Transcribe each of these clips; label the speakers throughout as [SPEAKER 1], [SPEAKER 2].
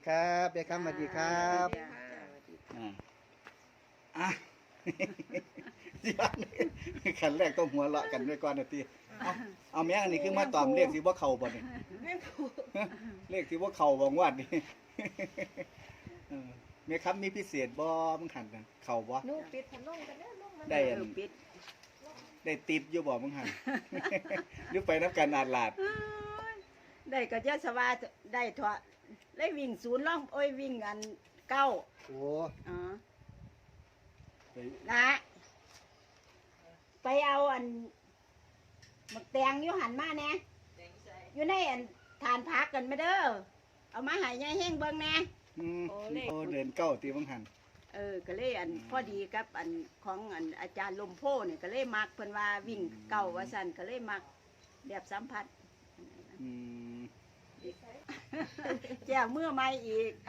[SPEAKER 1] ครับเบียร์คำสวัสดีครับอ่าอ่ะ สิบ้านขันแรกต้องหัวเราะกันด้วยก่อนนะทีเอาแม่งอันนี้คือมาตอมเรียกสิว่าเข่าบ่เนี่ย
[SPEAKER 2] แม่ผูก
[SPEAKER 1] เรียกสิว่าเข่าบ่งวดนี่ แม่ครับมีพิเศษบ่มึงขันกันเข่าบ่
[SPEAKER 2] นุ่งปิดพันนุ่งกันเนี่ยนุ่งมัน
[SPEAKER 1] ได้อัน
[SPEAKER 3] ปิด
[SPEAKER 1] ได้ติปอยู่บ่มึงหัน หรือไปน้ำกันอาดลาด
[SPEAKER 3] ได้ก็จะสว่าได้เถอะได้วิ่งศูนย์ล่องโอ้ยวิ่งอันเก้า
[SPEAKER 1] โอ้
[SPEAKER 3] อ๋อ
[SPEAKER 1] ไป
[SPEAKER 3] นะไปเอาอันหมักแตงอยู่หันมาแน่อยู่ในอันทานพักกันไม่เด้อเอามาใหายยายแห้งเบิ่งแน่
[SPEAKER 1] อืมโอ้เดินเก้าตีมึงหัน
[SPEAKER 3] ก็เลยอันพอดีกับอันของอันอาจารย์ลมโพเนี่ยก็เลยมักเพิ่นว่าวิ่งเก้าว่าสั่นก็เลยมักแบบสัมผัส
[SPEAKER 1] อืม
[SPEAKER 3] แจ้วเมื่อไม่อีก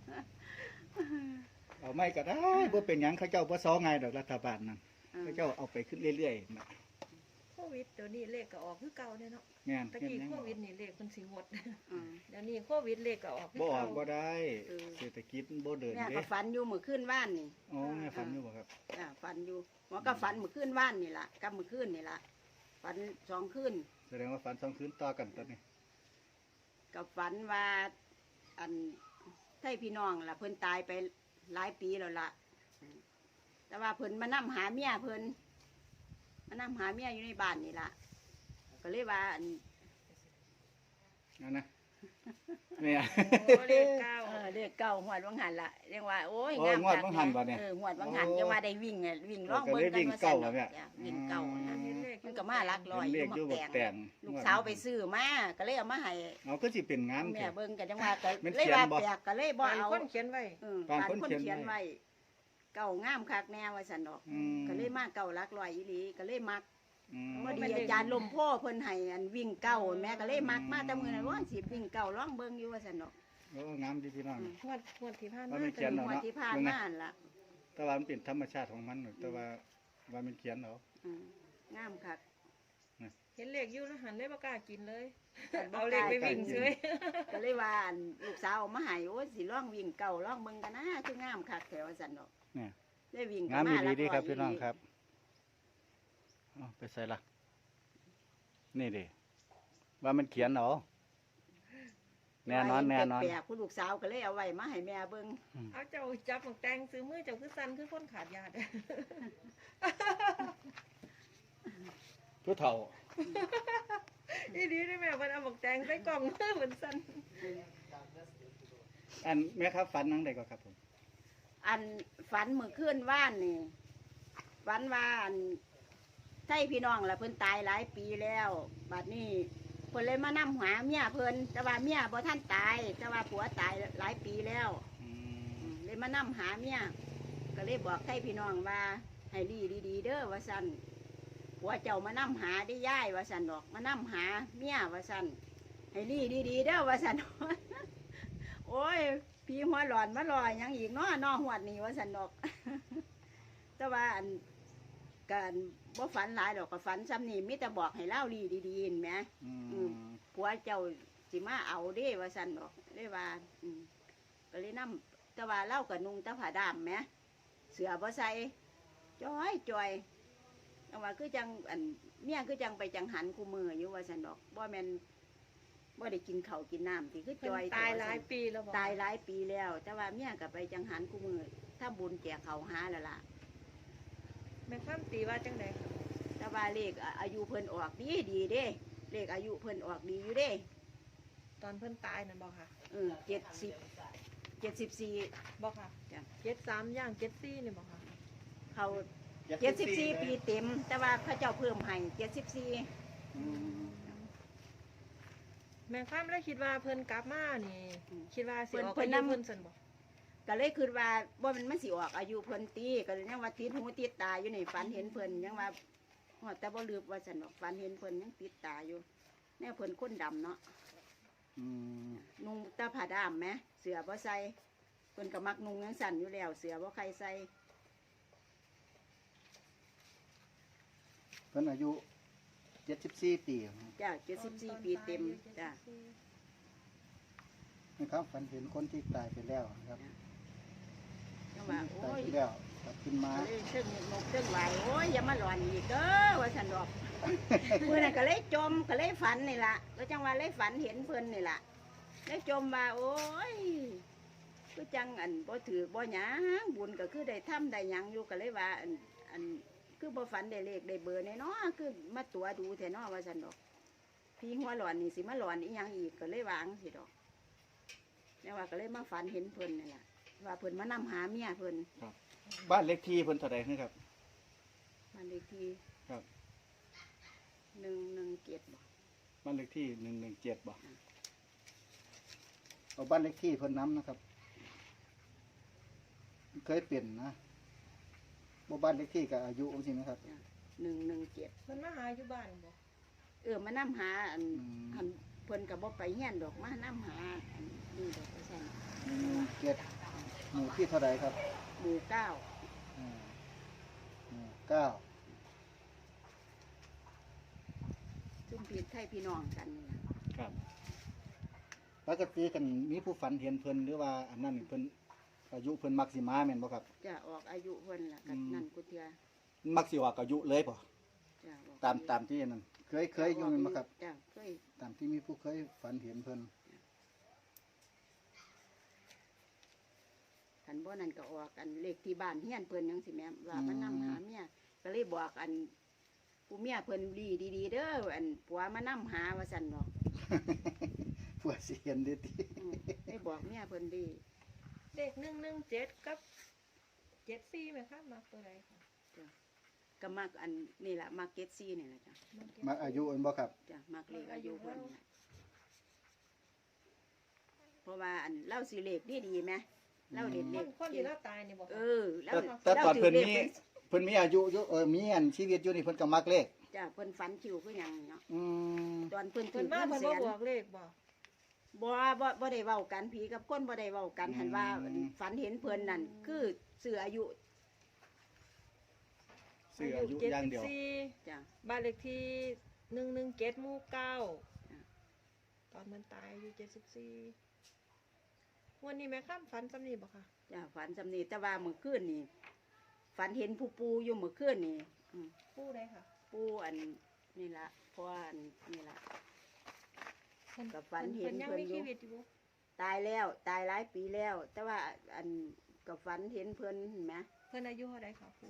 [SPEAKER 1] เอาไม่ก็ได้บ่เป็นหยังเขาเจ้าบ่ซ้อไงดอกรัฐบาลนั่นเขาเจ้าเอาไปขึ้นเรื่อยๆนะ
[SPEAKER 2] โควิดเดี๋ยวนี้เลขก็ออกคือเก่าเนี่ยเนาะ
[SPEAKER 1] งาน
[SPEAKER 2] ตะกี้โควิดนี่เลขมันสิงด
[SPEAKER 3] อืม
[SPEAKER 2] เดี๋ยวนี้โควิดเลขก็ออกคือ
[SPEAKER 1] บ่ออ
[SPEAKER 2] เก่าก
[SPEAKER 1] บ่ได้เศรษฐกิจบ่เดิน
[SPEAKER 3] เนี่ย
[SPEAKER 1] เด้
[SPEAKER 3] ก็ฝันอยู่มื้อคืนว่านนี่
[SPEAKER 1] อ๋อแม่ฝันอยู่บ่ครับ
[SPEAKER 3] ฝันอยู่หมอก็ฝันมื้อคืนว่านนี่ล่ะกับมื้อคืนนี่ล่ะฝันสองคืน
[SPEAKER 1] แสดงว่าฝัน2คืนต่อกันตอนนี้
[SPEAKER 3] กับฝันว่าอันไทพี่น้องล่ะเพิ่นตายไปหลายปีแล้วล่ะแต่ว่าเพิ่นมานํหาเมียเพิ่นมานํหาเมียอยู่ในบ้านนี่ล่ะก็เลยว่าอัน
[SPEAKER 1] นั่นนะเนี่ย
[SPEAKER 2] โอ้เลขเก้า
[SPEAKER 3] เรียกเก่าหวดวังหันละเรียกว่าโอ้ย
[SPEAKER 1] โอ้ยงวดวังหันบ่เนี่ย
[SPEAKER 3] หวดวังหันจะว่าได้วิ่งไงวิ่งร้อง
[SPEAKER 1] ก็
[SPEAKER 3] เบิ้
[SPEAKER 1] เลย
[SPEAKER 3] ง
[SPEAKER 1] วิ่ง
[SPEAKER 3] ว่า
[SPEAKER 1] เก้า
[SPEAKER 3] ซั่น
[SPEAKER 1] เนี่ย
[SPEAKER 3] จ้ะวิ่งเก่านะ
[SPEAKER 2] เห็นเลข
[SPEAKER 3] มันก็มาลักลอย
[SPEAKER 1] เรียกอยู่บ่แต่ง
[SPEAKER 3] ลูกสาวไปซื้อมาก็เลยเอามาให้
[SPEAKER 1] เอาก็สิเป็นงาน
[SPEAKER 3] แม่
[SPEAKER 1] แท้
[SPEAKER 3] เบิ้งกันจังว่าก็
[SPEAKER 1] มัน
[SPEAKER 3] เลย
[SPEAKER 1] เขียน
[SPEAKER 3] ว่า
[SPEAKER 1] บ่
[SPEAKER 3] แปลกก็เลยบ่
[SPEAKER 2] บาง
[SPEAKER 3] เอา
[SPEAKER 2] คนเขียนไว้
[SPEAKER 3] ปาน
[SPEAKER 1] คน
[SPEAKER 3] คน
[SPEAKER 1] เขียน
[SPEAKER 3] เขียน
[SPEAKER 1] ไว้
[SPEAKER 3] ไว้เก่างามคักแน่ว่าสันดอก
[SPEAKER 1] อืม
[SPEAKER 3] ก็เลยมาเก่าลักลอยอีหลีก็เลยมัก
[SPEAKER 1] อืม
[SPEAKER 3] พอดีอาจารย์ลมโพเพิ่นให้อันวิ่งเก่าแม่ก็เลยมักมาแต่มื้อนั้นว่าสิวิ่งเก่าร้องเบิ้งอยู่ว่าสันดอก
[SPEAKER 1] โอ้งามดีพี่น้อง
[SPEAKER 2] งวดที่ผ่าน
[SPEAKER 1] ว่า
[SPEAKER 2] มา
[SPEAKER 1] มันเขียน
[SPEAKER 3] งวดที่ผ่านมานั่นล่ะ
[SPEAKER 1] แต่ว่ามันเป็นธรรมชาติของมันแต่ว่ามันเขียนเอา
[SPEAKER 3] งามคัก
[SPEAKER 2] เห็นเลขอยู่แล้วหันเลยบ่กล้ากินเลย
[SPEAKER 3] บ่
[SPEAKER 2] เอา
[SPEAKER 3] ก
[SPEAKER 2] เล
[SPEAKER 3] ล้า
[SPEAKER 2] ขไปวิ่งเฉย
[SPEAKER 3] ก็เลยว่าอันลูกสาวเอามาให้โอ้ยสิร้องวิ่งเก่าร้องเบิ่งกันนะคืองามคักแถวสันดอก
[SPEAKER 1] เนี่ย
[SPEAKER 3] ได้วิ่ง
[SPEAKER 1] งาม
[SPEAKER 3] ก็
[SPEAKER 1] ดีดีครับ
[SPEAKER 3] ลักลอย
[SPEAKER 1] พี่น้องครับเอาไปใส่ละนี่ดิว่ามันเขียนเอาแน่นอนแน่นอน
[SPEAKER 3] แปลกๆผู้ลูกสาวก็เลยเอาไว้มาให้แม่เบิ่ง
[SPEAKER 2] เอาเจ้าจับหมวกแตงซื้อมือเจ้าคือสั่นคือคนขาดยา
[SPEAKER 1] ผู้เฒ่า
[SPEAKER 2] อีดีได้แม่มันเอาหมวกแตงใส่กล่องมือเหมือนสั่น
[SPEAKER 1] อันแม่ครับฝันนังใดก็ครับผม
[SPEAKER 3] อันฝันมื้อคืนว่านนี่ฝันว่าอันไทพี่น้องล่ะเพิ่นตายหลายปีแล้วบัดนี้เพิ่นเลยมานํหาเมียเพิ่นแต่ว่าเมียบ่ทันตายแต่ว่าผัวตายหลายปีแล้ว
[SPEAKER 1] อืม
[SPEAKER 3] เลยมานํหาเมียก็เลยบอกให้พี่น้องว่าให้ดีๆเด้อว่าซั่นผัวเจ้ามานํหาได้ย่ายว่าซั่นดอกมานํหาเมียว่าซั่นให้ดีๆเด้อว่าซั่น โอ้ยพี่หัวหลอนมาลอยหยังอีกเนาะนอหวดนี่ว่าซั่นดอก แต่ว่าอันการบ่ฝันหลายดอกก็ฝันซ้ำนี่มิแต่บอกให้เล่าดีๆเห็นไหม
[SPEAKER 1] อืม
[SPEAKER 3] ผัวเจ้าสิมาเอาเด้ว่าซั่นดอกเลยว่าก็เลยนํแต่ว่าเล่ากับนุงแตะผ้าดำแหมเสือบ่ใส่จอยจังว่าคือจังอันเมียคือจังไปจังหันคู่มืออยู่ว่าซั่นดอกบ่แม่นบ่ได้กินข้าวกินน้ำที่คือ
[SPEAKER 2] เพิ่
[SPEAKER 3] จ
[SPEAKER 2] น
[SPEAKER 3] อย
[SPEAKER 2] ตายหลายปีแล้วบ่
[SPEAKER 3] ตายหลายปีแล้ว แต่ว่าเมียก็ไปจังหันคู่มือถ้าบุญแจกเขาวหาแล้วล่ะ
[SPEAKER 2] แม่ข้ามตีว่าจังได๋
[SPEAKER 3] แต่ว่าเลขอายุเพิ่นออกดีเด้เลขอายุเพิ่นออกดีอยู่เด้
[SPEAKER 2] ตอนเพิ่นตายนั่นบ่ค่ะ
[SPEAKER 3] 74
[SPEAKER 2] บ่ค่ะ
[SPEAKER 3] จ้ะ
[SPEAKER 2] 73ย่าง74นี่บ่ค่ะ
[SPEAKER 3] เขา74 ปีเต็ม แต่ว่าเขาเจ้าเพิ่มให้74
[SPEAKER 1] อืม
[SPEAKER 2] แม่ข้ามแล้วคิดว่าเพิ่นกลับมานี่ คิดว่าสิออก
[SPEAKER 3] เพิ่
[SPEAKER 2] อายุ
[SPEAKER 3] นนำ
[SPEAKER 2] เพิ่นซั่นบ่
[SPEAKER 3] ก็เลยคิดว่าบ่มันสิออกอายุเพิ่นตีก็เลยยังว่าติดหูติดตาอยู่นี่ฝันเห็นเพิ่นยังว่าฮอดแต่บ่ลืมว่าซั่นดอกฝันเห็นเพิ่นยังติดตาอยู่แน่เพิ่นคนดำเนาะ
[SPEAKER 1] อืม
[SPEAKER 3] นุ่งแตาผ้าดำไหมเสือบ่ใส่เพิ่นก็มักนุ่งยังสั่นอยู่แล้ว เสือบ่ใครใส่
[SPEAKER 1] เพิ่นอายุ74 ปี
[SPEAKER 3] จ้า74 ปีเต็มจ้า
[SPEAKER 1] อนะครับฝันเห็นคนที่ตายไปแล้วนะครับ
[SPEAKER 3] จังว่า
[SPEAKER 1] ตา
[SPEAKER 3] โอ้
[SPEAKER 1] ย
[SPEAKER 3] ย
[SPEAKER 1] ไปแล้วกลับขึ้นมา
[SPEAKER 3] ก็เลยซึ่งนกซึ่งไหวโอ้ยอย่ามาหลอนอีกเด้อว่าสันดอก เพื่อนนก็เลยจมก็เลยฝันนี่ล่ะก็จังว่าเลยฝันเห็นเพื่อนนี่ล่ะเลยจมว่าโอ้ยก็จังอันบ่ถือบ่หยังบุญก็คือได้ทำได้หยังอยู่ก็เลยว่าอันคือบ่ฝันได้เลขได้เบอร์แน่เนาะคือมาตัวดูแท้เนาะว่าสันดอกพี่หัวหลอนนี่สิมาหลอนอีหยังอีกก็เลยวางสิดอกแล้วว่าก็เลยมาฝันเห็นเพิ่นนี่ล่ะว่าเพิ่นมานำหาเมียเพิ่น
[SPEAKER 1] บ้านเลขที่เพิ่นเท่าใดนะครับ
[SPEAKER 3] มันเลขที่
[SPEAKER 1] ครับ
[SPEAKER 3] 117บ่
[SPEAKER 1] บ้านเลขที่117บ่เอาบ้านเลขที่เพิ่นน้ำนะครับ เคยเปลี่ยนนะบ่บ้านเลขที่กับอายุองค์สินะครับ
[SPEAKER 3] 117
[SPEAKER 2] เพิ่นมาหาอยู่บ้านบ่
[SPEAKER 3] มานำหาอัน
[SPEAKER 1] อืม
[SPEAKER 3] อันเพิ่นก็บ่ไปเฮียนดอกมานำหาอันนี่ดอกว่าซั่น
[SPEAKER 1] 117หมู่ที่เท่าใดครับ
[SPEAKER 3] หมู่เก้า
[SPEAKER 1] หมู่เก้า
[SPEAKER 3] ซุ่มพี่ไทยพี่น้องกันนี่ล่ะ
[SPEAKER 1] ครับปกติกันมีผู้ฝันเห็นเพิ่นหรือว่าอันนั้นเพิ่นอายุเพิ่นมักสิมาแม่นบ่ครับ
[SPEAKER 3] จะออกอายุเพิ่นล่ะกัน
[SPEAKER 1] อืม
[SPEAKER 3] นั่นกูเทื่อ
[SPEAKER 1] มักสิออกอายุเลยบ่
[SPEAKER 3] จะออก
[SPEAKER 1] ตามที่นั่นเคยอยู่แม่นบ่ครับ
[SPEAKER 3] จ้ะเคย
[SPEAKER 1] ตามที่มีผู้เคยฝันเห็นเพิ่น
[SPEAKER 3] คันบ่นั่นก็ออกอันเลขที่บ้านเฮียนเพิ่นจังสิแม่ว่ามันนำหาเมียก็เลยบอกอันผู้เมียเพิ่นดีๆเด้ออันผัวมานำหาว่าซั่นดอก
[SPEAKER 1] ผัวสิเห็นเด้ติ
[SPEAKER 3] ได้บอกเมียเพิ่นดี
[SPEAKER 2] เด็ก117กับ74แม่คะมาตัวใดค่ะ
[SPEAKER 3] ก็มักอันนี่ล่ะมักเก็ตซี่นี่ล่ะจ้ะ
[SPEAKER 1] มักอายุอันบ่ครับ
[SPEAKER 3] จ้ะมักเลขอายุเพิ่นน่ะเพราะว่าอันเล่าสิเลขดีไหมเล่าเด็ด
[SPEAKER 2] ค
[SPEAKER 3] เด็
[SPEAKER 2] นคนที่เราตายนี่บ่
[SPEAKER 3] เอ
[SPEAKER 2] ค่ะ
[SPEAKER 3] อเล่า
[SPEAKER 1] แต่ตอนเพิ่น
[SPEAKER 3] ถื
[SPEAKER 1] มี
[SPEAKER 3] ลข
[SPEAKER 1] เพิ่นมีอายุอยู่มีอันชีวิตอยู่นี่เพิ่นก็มักเลข
[SPEAKER 3] จ้ะเพิ่นฝันคิวคือหยังเนาะ
[SPEAKER 1] อืม
[SPEAKER 3] ตอนเพิ่น
[SPEAKER 2] เพิ่
[SPEAKER 3] ถื
[SPEAKER 2] น
[SPEAKER 3] อ
[SPEAKER 2] มา
[SPEAKER 3] เงิน
[SPEAKER 2] เพิ่น
[SPEAKER 3] แส
[SPEAKER 2] มาน บอกเลขบ่
[SPEAKER 3] บ่ได้เว้ากันผีกับคนบ่ได้เว้ากันหันว่าฝันเห็นเพิ่นนั่นคือสื่ออายุ
[SPEAKER 1] ซื้ออายุอย่างเดียว
[SPEAKER 2] 74
[SPEAKER 3] จ้ะ
[SPEAKER 2] บ้านเลขที่117หมู่9
[SPEAKER 3] จ้ะ
[SPEAKER 2] ตอนมันตายอายุ74วันนี้แม่ข้ามฝันจำนี่บ่ค่ะ
[SPEAKER 3] จ้ะฝันสำนีแต่ว่าเมื่อคืนนี่ฝันเห็นผู้ปูอยู่เมื่อคืนนี่อืม
[SPEAKER 2] ผู้ใดค่ะ
[SPEAKER 3] ปูอันนี่ล่ะเพราะว่าอันนี่ล่ะ
[SPEAKER 2] เพิ่น
[SPEAKER 3] กับฝันเห็น
[SPEAKER 2] ยัง
[SPEAKER 3] เพิ่น
[SPEAKER 2] มี
[SPEAKER 3] อยู่
[SPEAKER 2] ชีวิตอยู่บ่
[SPEAKER 3] ตายแล้วตายหลายปีแล้ว แต่ว่าอันกับฝันเห็นเพิ่นเห็นไหม
[SPEAKER 2] เพิ่นอายุเท่าใดค่ะผู้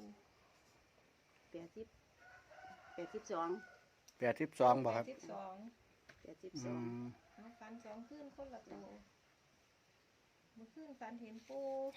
[SPEAKER 3] 82
[SPEAKER 1] 82บ่ครับ
[SPEAKER 2] 82
[SPEAKER 1] อืม
[SPEAKER 2] เอาฝัน2คืนคนละตัวเมื่อคืนฝันเห็นปู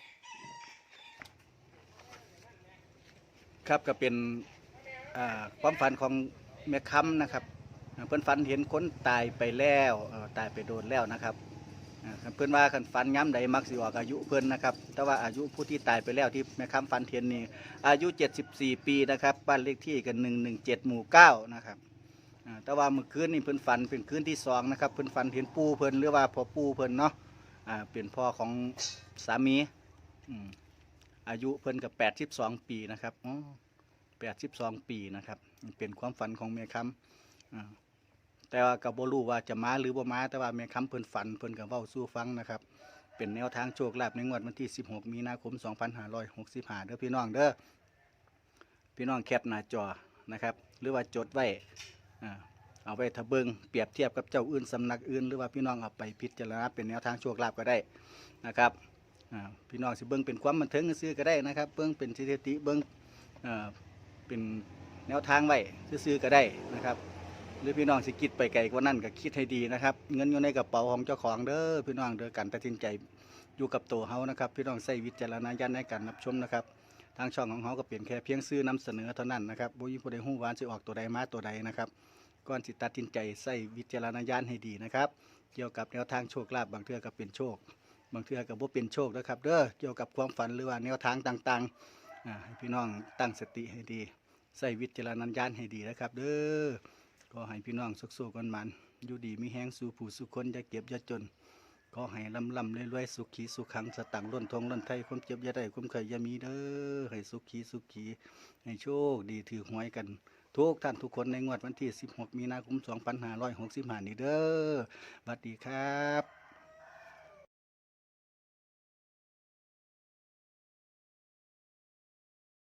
[SPEAKER 1] ครับก็เป็นความฝันของแม่ค้ำนะครับเพิ่นฝันเห็นคนตายไปแล้วตายไปโดนแล้วนะครับเพิ่นว่าคันฝันย้ำใดมักสิออกอายุเพิ่นนะครับแต่ว่าอายุผู้ที่ตายไปแล้วที่แม่ค้ำฝันเห็นนี่อายุ74 ปีนะครับบ้านเลขที่กัน117หมู่9นะครับแต่ว่าเมื่อคืนนี่เพิ่นฝันเป็นคืนที่2นะครับเพิ่นฝันเห็นปู่เพิ่นหรือว่าพ่อปู่เพิ่นเนาะเป็นพ่อของสามีอายุเพิ่นกับ82 ปีนะครับ82 ปีนะครับเป็นความฝันของแม่ค้ำแต่ว่าก็บ่รู้ว่าจะมาหรือบ่มาแต่ว่าแม่ค้ำเพิ่นฝันเพิ่นก็เว้าสู่ฟังนะครับเป็นแนวทางโชคลาภในงวดวันที่16 มีนาคม 2565เด้อพี่น้องเด้อพี่น้องแคปหน้าจอนะครับหรือว่าจดไว้เอาไว้ทะเบิงเปรียบเทียบกับเจ้าอื่นสำนักอื่นหรือว่าพี่น้องเอาไปพิจารณาเป็นแนวทางโชคลาภก็ได้นะครับพี่น้องสิเบิ่งเป็นความบันเทิงซื่อๆก็ได้นะครับเบิ่งเป็นสถิติเบิ่งเป็นแนวทางไว้ซื่อๆก็ได้นะครับหรือพี่น้องสิคิดไปไกลกว่านั้นก็คิดให้ดีนะครับเงินอยู่ในกระเป๋าของเจ้าของเด้อพี่น้องเด้อการตัดสินใจอยู่กับตัวเฮานะครับพี่น้องใช้วิจารณญาณในการรับชมนะครับทางช่องของเฮาก็เปลี่ยนแค่เพียงซื้อนำเสนอเท่านั้นนะครับบ่มีผู้ใดฮู้ว่าสิออกตัวใดมาตัวใดนะครับก่อนสิตัดสินใจใช้วิจารณญาณให้ดีนะครับเกี่ยวกับแนวทางโชคลาภบางเทื่อก็เป็นโชคบางเทื่อก็บ่เป็นโชคนะครับเด้อเกี่ยวกับความฝันหรือว่าแนวทางต่างๆให้พี่น้องตั้งสติให้ดีใส่วิจารณญาณให้ดีนะครับเด้อขอให้พี่น้องสุขๆกันมันอยู่ดีมีแห้งสู่ผู้สุขคนอย่าเก็บอย่าจนขอให้ลำรวยๆสุขีสุขังสตังค์ล้นทองล้นไทยความเจ็บอย่าได้ความเคยอย่ามีเด้อให้สุขีให้โชคดีถือหวยกันทุกท่านทุกคนในงวดวันที่16 มีนาคม 2565 นี้เด้อสวัสดีครับ